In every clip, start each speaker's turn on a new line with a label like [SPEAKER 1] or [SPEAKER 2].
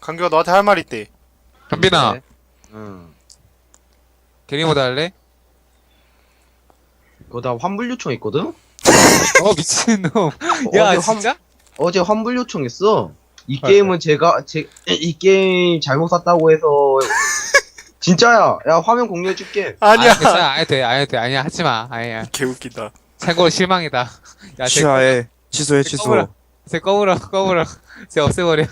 [SPEAKER 1] 강규가 너한테 할 말 있대.
[SPEAKER 2] 현빈아,
[SPEAKER 3] 네. 응.
[SPEAKER 2] 게리모드 할래?
[SPEAKER 3] 그거 다 환불 요청했거든?
[SPEAKER 2] 미친놈.
[SPEAKER 3] 어제
[SPEAKER 2] 야,
[SPEAKER 3] 환-
[SPEAKER 2] 진짜?
[SPEAKER 3] 어제 환불 요청했어. 이
[SPEAKER 2] 아,
[SPEAKER 3] 게임은 이 게임 잘못 샀다고 해서. 진짜야. 야, 화면 공유해줄게.
[SPEAKER 1] 아니야.
[SPEAKER 2] 괜찮아, 안 해도 돼, 안 해도 돼. 아니야, 하지 마. 아니야.
[SPEAKER 1] 개웃기다.
[SPEAKER 2] 최고 실망이다. 야,
[SPEAKER 4] 취하해. 취소해,
[SPEAKER 2] 쟤
[SPEAKER 4] 취소.
[SPEAKER 2] 꺼버려. 쟤 꺼버려. 쟤 없애버려.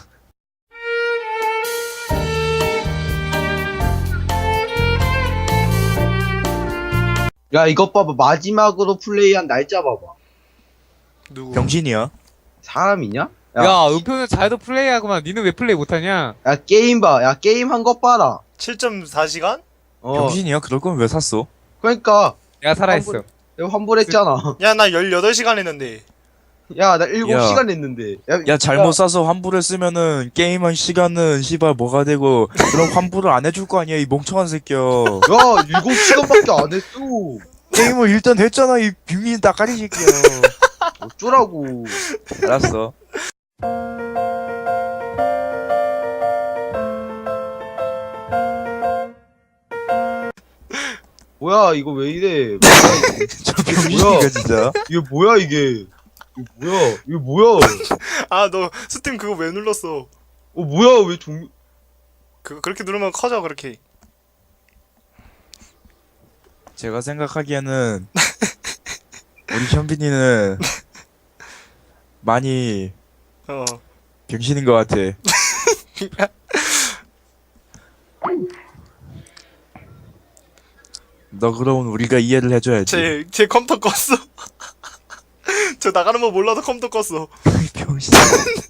[SPEAKER 3] 야, 이것 봐봐. 마지막으로 플레이한 날짜 봐봐.
[SPEAKER 1] 누구?
[SPEAKER 4] 병신이야.
[SPEAKER 3] 사람이냐?
[SPEAKER 2] 야, 은표는 잘도 플레이하구만. 니는 왜 플레이 못하냐?
[SPEAKER 3] 야, 게임 봐. 야, 게임 한 것 봐라.
[SPEAKER 1] 7.4시간?
[SPEAKER 3] 어.
[SPEAKER 4] 병신이야? 그럴 거면 왜 샀어?
[SPEAKER 3] 그러니까
[SPEAKER 2] 내가 살아있어.
[SPEAKER 3] 내가 환불했잖아.
[SPEAKER 1] 야, 나 18시간 했는데.
[SPEAKER 3] 야, 나 7시간 냈는데.
[SPEAKER 4] 야, 잘못 사서 환불을 쓰면은 게임한 시간은 씨발 뭐가 되고 그럼 환불을 안 해줄 거 아니야, 이 멍청한 새끼야.
[SPEAKER 3] 야, 7시간밖에 안 했어.
[SPEAKER 4] 게임을 일단 했잖아, 이 빙민 따까리 새끼야.
[SPEAKER 3] 어쩌라고.
[SPEAKER 4] 알았어.
[SPEAKER 3] 뭐야, 이거 왜 이래.
[SPEAKER 4] 저 병신이가 진짜.
[SPEAKER 3] 이게 뭐야, 이게. 이게 뭐야.
[SPEAKER 1] 아, 너 스팀 그거 왜 눌렀어?
[SPEAKER 3] 뭐야, 왜
[SPEAKER 1] 그렇게 누르면 커져, 그렇게.
[SPEAKER 4] 제가 생각하기에는 우리 현빈이는 많이
[SPEAKER 1] 어.
[SPEAKER 4] 병신인 것 같아. 너 그럼 우리가 이해를 해줘야지.
[SPEAKER 1] 제 컴퓨터 껐어. 저 나가는 거 몰라서 컴퓨터 껐어.
[SPEAKER 4] 병신.